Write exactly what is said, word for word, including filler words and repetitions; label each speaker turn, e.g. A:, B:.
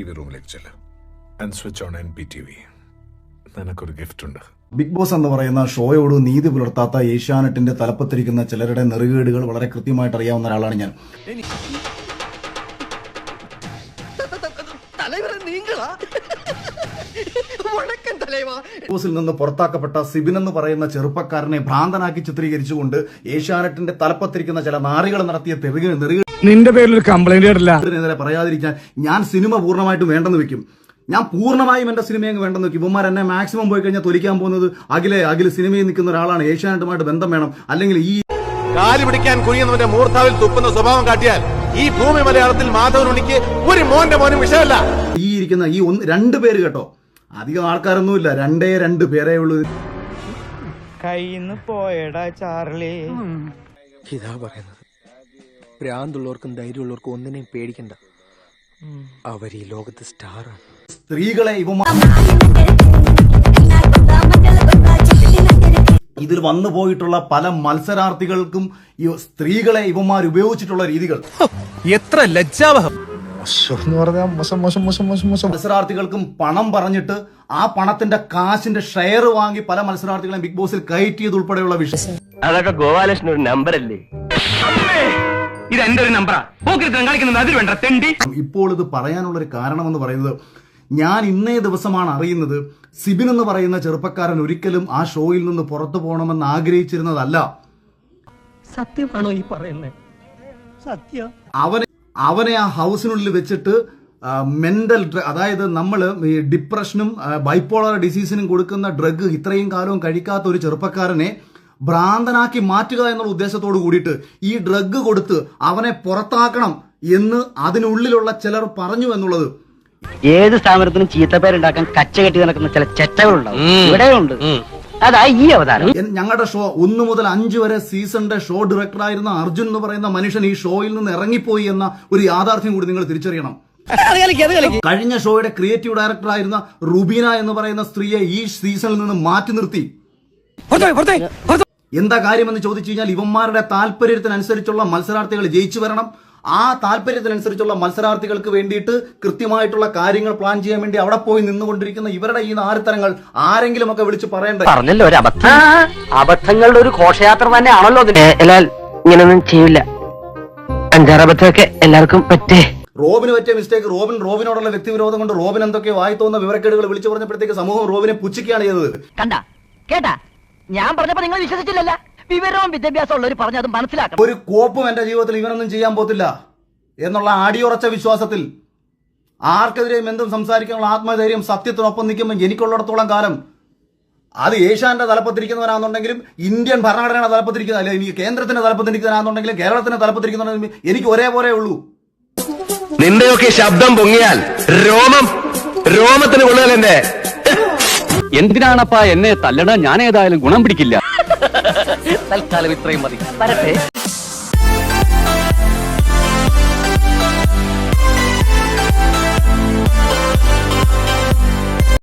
A: V റൂമിലേക്ക് ചെല്ല് and switch on N P T V. നിനക്കൊരു ഗിഫ്റ്റ് ഉണ്ട്.
B: ബിഗ് ബോസ് എന്ന് പറയുന്ന ഷോയോട് നീതി പുലർത്താത്ത ഏഷ്യാനെറ്റിന്റെ തലപ്പത്തിരിക്കുന്ന ചിലരുടെ നെറുകേടുകൾ വളരെ കൃത്യമായിട്ട് അറിയാവുന്ന ഒരാളാണ് ഞാൻ. ബിഗ് ബോസിൽ നിന്ന് പുറത്താക്കപ്പെട്ട സിബിൻ എന്ന് പറയുന്ന ചെറുപ്പക്കാരനെ ഭ്രാന്തനാക്കി ചിത്രീകരിച്ചുകൊണ്ട് ഏഷ്യാനെറ്റിന്റെ തലപ്പത്തിരിക്കുന്ന ചില നാറികൾ നടത്തിയ നെറുക
C: നിന്റെ പേരിൽ ഒരു കംപ്ലൈന്റ്
B: പറയാതിരിക്കാൻ ഞാൻ സിനിമ പൂർണ്ണമായിട്ടും വേണ്ടെന്ന് വെക്കും. ഞാൻ പൂർണ്ണമായും എന്റെ സിനിമയെ വേണ്ടെന്ന് വെക്കും. ഇവന്മാർ എന്നെ മാക്സിമം പോയി കഴിഞ്ഞാൽ തൊലിക്കാൻ പോകുന്നത് അഖിലെ അഖില് സിനിമയിൽ നിൽക്കുന്ന ഒരാളാണ്, ഏഷ്യാനെറ്റുമായിട്ട് ബന്ധം വേണം, അല്ലെങ്കിൽ ഈ
D: കാല് പിടിക്കാൻ കുനിയുന്നവന്റെ മൂർത്താവിൽ തുപ്പുന്ന സ്വഭാവം കാട്ടിയാൽ ഈ ഭൂമി മലയാളത്തിൽ മാധവനുണിക്ക് ഒരു മോന്റെ മോനും വിഷയമല്ല.
B: ഈ ഇരിക്കുന്ന ഈ ഒന്ന് രണ്ട് പേര് കേട്ടോ, അധികം ആൾക്കാരൊന്നുമില്ല, രണ്ടേ രണ്ട് പേരേ ഉള്ളൂ.
E: കയ്യിന്ന് പോയടാ ചാർലി.
F: ഇതാ പറയുന്നത്, ഭ്രാന്തുള്ളവർക്കും ധൈര്യമുള്ളവർക്കും ഒന്നിനെയും പേടിക്കണ്ട. അവർ ഈ ലോകത്ത് സ്റ്റാറാണ്.
B: സ്ത്രീകളെ ഇവ ഇതിൽ വന്നു പോയിട്ടുള്ള പല മത്സരാർത്ഥികൾക്കും ഈ സ്ത്രീകളെ ഇവന്മാർ ഉപയോഗിച്ചിട്ടുള്ള രീതികൾ
D: എത്ര ലജ്ജാവഹം.
B: മത്സരാർത്ഥികൾക്കും പണം പറഞ്ഞിട്ട് ആ പണത്തിന്റെ കാശിന്റെ ഷെയർ വാങ്ങി പല മത്സരാർത്ഥികളെയും ബിഗ് ബോസിൽ കയറ്റിയത് ഉൾപ്പെടെയുള്ള വിഷയം.
G: അതൊക്കെ ഗോപാലകൃഷ്ണൻ ഒരു നമ്പർ അല്ലേ? ഇത് എന്റെ ഒരു നമ്പറാ. അതിൽ വേണ്ട തെണ്ടി.
B: ഇപ്പോൾ ഇത് പറയാനുള്ള ഒരു കാരണം എന്ന് പറയുന്നത്, ഞാൻ ഇന്നേ ദിവസമാണ് അറിയുന്നത് സിബിൻ എന്ന് പറയുന്ന ചെറുപ്പക്കാരൻ ഒരിക്കലും ആ ഷോയിൽ നിന്ന് പുറത്തു പോകണമെന്ന് ആഗ്രഹിച്ചിരുന്നതല്ല.
E: സത്യമാണോ ഈ പറയുന്നത്? സത്യം.
B: അവനെ അവനെ ആ ഹൗസിനുള്ളിൽ വെച്ചിട്ട് മെന്റൽ അതായത് നമ്മൾ ഈ ഡിപ്രഷനും ബൈപ്പോളർ ഡിസീസിനും കൊടുക്കുന്ന ഡ്രഗ് ഇത്രയും കാലവും കഴിക്കാത്ത ഒരു ചെറുപ്പക്കാരനെ ഭ്രാന്തനാക്കി മാറ്റുക എന്നുള്ള ഉദ്ദേശത്തോട് കൂടിയിട്ട് ഈ ഡ്രഗ് കൊടുത്ത് അവനെ പുറത്താക്കണം എന്ന് അതിനുള്ളിലുള്ള ചിലർ പറഞ്ഞു എന്നുള്ളത്.
G: ഏത് സ്ഥാപനത്തിനും ചീത്തപ്പേരുണ്ടാക്കാൻ കച്ച കെട്ടി നടക്കുന്ന ചില ചെറ്റകളുണ്ടാവും, ഇവിടെയുണ്ട്. അതാ ഈ അവതാരം.
B: ഞങ്ങളുടെ ഷോ ഒന്ന് മുതൽ അഞ്ച് വരെ സീസണിന്റെ ഷോ ഡയറക്ടറായിരുന്ന അർജുൻ എന്ന് പറയുന്ന മനുഷ്യൻ ഈ ഷോയിൽ നിന്ന് ഇറങ്ങിപ്പോയി എന്ന ഒരു യാഥാർത്ഥ്യം കൂടി നിങ്ങൾ തിരിച്ചറിയണം. കഴിഞ്ഞ ഷോയുടെ ക്രിയേറ്റീവ് ഡയറക്ടറായിരുന്ന റുബീന എന്ന് പറയുന്ന സ്ത്രീയെ ഈ സീസണിൽ നിന്ന് മാറ്റി നിർത്തി. എന്താ കാര്യമെന്ന് ചോദിച്ചു കഴിഞ്ഞാൽ, ഇവന്മാരുടെ താല്പര്യത്തിനനുസരിച്ചുള്ള മത്സരാർത്ഥികൾ ജയിച്ചു വരണം. ആ താല്പര്യത്തിനനുസരിച്ചുള്ള മത്സരാർത്ഥികൾക്ക് വേണ്ടിയിട്ട് കൃത്യമായിട്ടുള്ള കാര്യങ്ങൾ പ്ലാൻ ചെയ്യാൻ വേണ്ടി അവിടെ പോയി നിന്നുകൊണ്ടിരിക്കുന്ന ഇവരുടെ ഈ നാരത്തരങ്ങൾ ആരെങ്കിലും ഒക്കെ വിളിച്ച് പറയണ്ടേ?
G: പറഞ്ഞല്ലോ ഒരു അബദ്ധം. അബദ്ധങ്ങളുടെ ഒരു ഘോഷയാത്ര തന്നെയാണല്ലോ. ഇങ്ങനൊന്നും ചെയ്യില്ല. അഞ്ചാറ് അബദ്ധമൊക്കെ എല്ലാവർക്കും പറ്റേ.
B: റോബിന് പറ്റിയ മിസ്റ്റേക്ക്, റോബിൻ റോബിനോടുള്ള വ്യക്തിവിരോധം കൊണ്ട് റോബിൻ എന്തൊക്കെ വായി തോന്നുന്ന വിവരക്കേടുകൾ വിളിച്ചു പറഞ്ഞപ്പോഴത്തേക്ക് സമൂഹം റോബിനെ പുച്ഛിക്കുകയാണ് ചെയ്തത്.
G: കണ്ട കേട്ടാ, ഞാൻ പറഞ്ഞപ്പോ നിങ്ങൾ വിശ്വസിച്ചില്ലല്ല. വിവരവും വിദ്യാഭ്യാസം ഉള്ളവർ പറഞ്ഞത് മനസ്സിലാക്കണം.
B: ഒരു കോപ്പും എന്റെ ജീവിതത്തിൽ ഇവനൊന്നും ചെയ്യാൻ പോത്തില്ല എന്നുള്ള അടിയുറച്ച വിശ്വാസത്തിൽ ആർക്കെതിരെയും എന്തും സംസാരിക്കാനുള്ള ആത്മധൈര്യം സത്യത്തിനൊപ്പം നിൽക്കുമ്പോൾ എനിക്കുള്ളിടത്തോളം കാലം അത് ഏഷ്യാന്റെ തലപ്പത്തിരിക്കുന്നവരാണെന്നുണ്ടെങ്കിലും ഇന്ത്യൻ ഭരണഘടനയുടെ തലപ്പത്തിരിക്കുന്ന അല്ലെ എനിക്ക് കേന്ദ്രത്തിന്റെ തലപ്പത്തിരിക്കുന്നവരാണെന്നുണ്ടെങ്കിലും കേരളത്തിന്റെ തലപ്പത്തിരിക്കുന്നവരാണെങ്കിലും എനിക്ക് ഒരേപോലെ ഉള്ളൂ.
D: നിന്റെയൊക്കെ ശബ്ദം പൊങ്ങിയാൽ രോമം രോമത്തിന് കൊള്ളുകയല്ലേ.
H: എന്തിനാണപ്പാ എന്നെ തല്ലണ? ഞാൻ ഏതായാലും ഗുണം പിടിക്കില്ല.
G: തൽക്കാലം ഇത്രയും മതി.